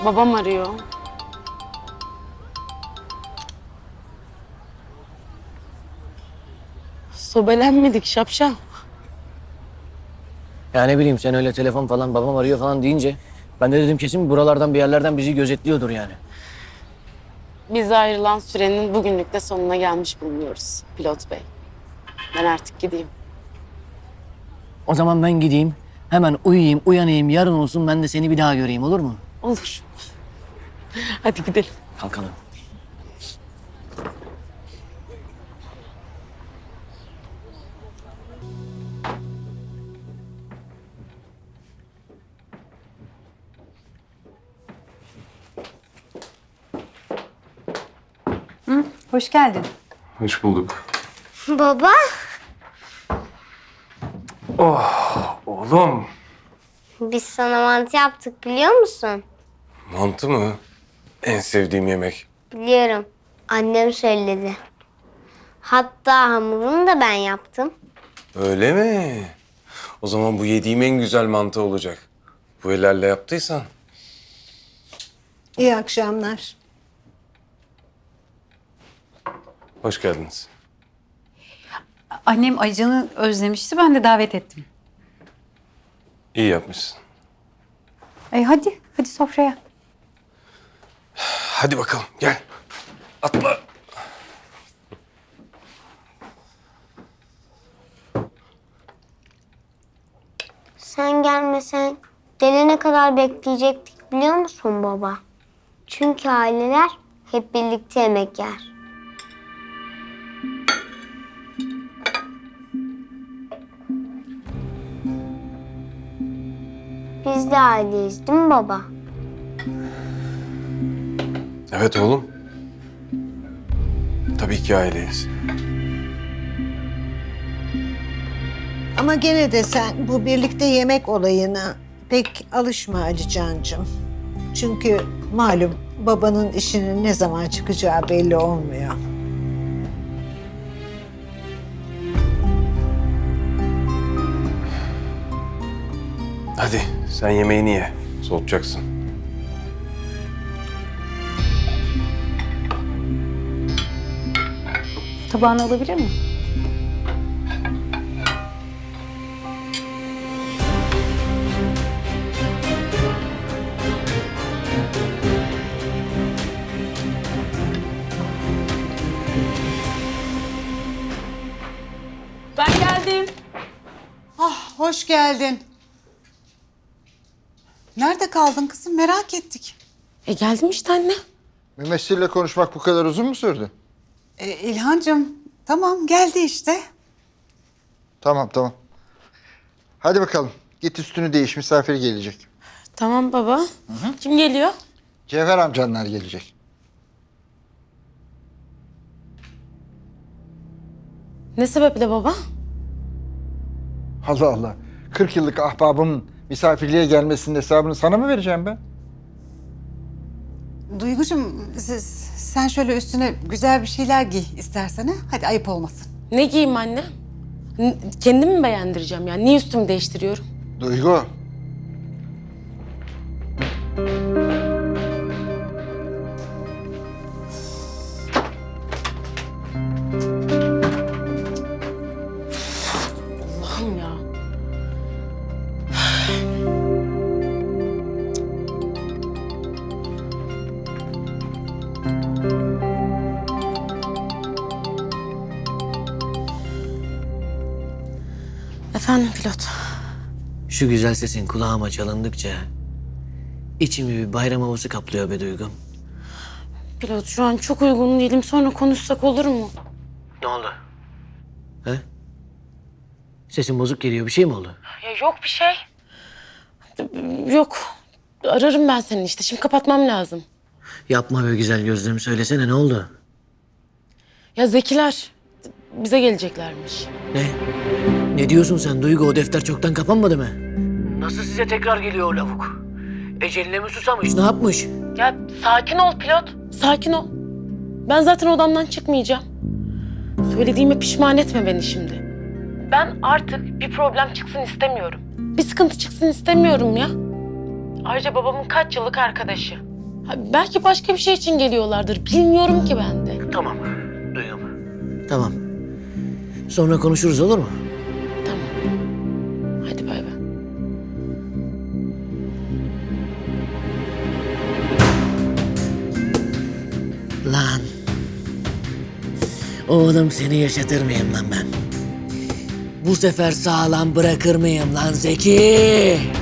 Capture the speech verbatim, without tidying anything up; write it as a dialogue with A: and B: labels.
A: Babam arıyor. Sobelenmedik şapşal.
B: Ya ne bileyim sen öyle telefon falan babam arıyor falan deyince ben de dedim kesin buralardan bir yerlerden bizi gözetliyordur yani.
A: Bize ayrılan sürenin bugünlük de sonuna gelmiş bulunuyoruz pilot bey. Ben artık gideyim.
B: O zaman ben gideyim hemen uyuyayım uyanayım yarın olsun ben de seni bir daha göreyim olur mu?
A: Olur. Hadi gidelim.
B: Kalkalım.
C: Hoş geldin.
D: Hoş bulduk.
E: Baba,
D: Oğlum.
E: biz sana mantı yaptık biliyor musun?
D: Mantı mı? En sevdiğim yemek.
E: Biliyorum. Annem söyledi. Hatta hamurunu da ben yaptım.
D: Öyle mi? O zaman bu yediğim en güzel mantı olacak. Bu ellerle yaptıysan.
C: İyi akşamlar.
D: Hoş geldiniz.
C: Annem Aycan'ı özlemişti. Ben de davet ettim.
D: İyi yapmışsın.
C: E hadi, hadi sofraya.
D: Hadi bakalım gel. Atla.
E: Sen gelmesen gelene kadar bekleyecektik biliyor musun baba? Çünkü aileler hep birlikte yemek yer. Biz de aileyiz değil mi baba?
D: Evet oğlum. Tabii ki aileyiz.
F: Ama gene de sen bu birlikte yemek olayına pek alışma Ali Cancığım. Çünkü malum babanın işinin ne zaman çıkacağı belli olmuyor.
D: Hadi sen yemeğini ye. Soğutacaksın.
C: Tabağını alabilir miyim?
A: Ben geldim.
G: Hoş geldin. Nerede kaldın kızım? Merak ettik.
A: E geldim işte anne.
H: Mümessil'le konuşmak bu kadar uzun mu sürdü?
G: Ee, İlhancığım, tamam geldi işte.
H: Tamam tamam. Hadi bakalım. Git üstünü değiş. Misafir gelecek.
A: Tamam baba. Kim geliyor?
H: Cevher amcanlar gelecek.
A: Ne sebeple baba?
H: Allah Allah. kırk yıllık ahbabımın misafirliğe gelmesinin hesabını sana mı vereceğim ben?
G: Duygucuğum, siz, sen şöyle üstüne güzel bir şeyler giy istersen ha. Hadi ayıp olmasın.
A: Ne giyeyim anne? N- Kendimi mi beğendireceğim yani? Niye üstümü değiştiriyorum?
H: Duygu.
A: Allah'ım ya. Efendim pilot.
B: Şu güzel sesin kulağıma çalındıkça içimi bir bayram havası kaplıyor be Duygum.
A: Pilot şu an çok uygun değilim. Sonra konuşsak olur mu?
B: Ne oldu? He? Sesin bozuk geliyor bir şey mi oldu?
A: Ya yok bir şey. Yok. Ararım ben seni işte. Şimdi kapatmam lazım.
B: Yapma be güzel gözlüm söylesene ne oldu?
A: Ya Zekiler bize geleceklermiş.
B: Ne? Ne diyorsun sen Duygu? O defter çoktan kapanmadı mı? Nasıl size tekrar geliyor o lavuk? Eceline mi susamış? Ne yapmış?
A: Ya sakin ol pilot. Sakin ol. Ben zaten odamdan çıkmayacağım. Söylediğime pişman etme beni şimdi. Ben artık bir problem çıksın istemiyorum. Bir sıkıntı çıksın istemiyorum ya. Ayrıca babamın kaç yıllık arkadaşı. Ha, belki başka bir şey için geliyorlardır. Bilmiyorum ki ben de.
B: Tamam, Duygu. Tamam. Sonra konuşuruz, olur mu?
A: Tamam. Hadi bay bay.
B: Lan. Oğlum seni yaşatır mıyım lan ben? Bu sefer sağlam bırakır mıyım lan Zeki?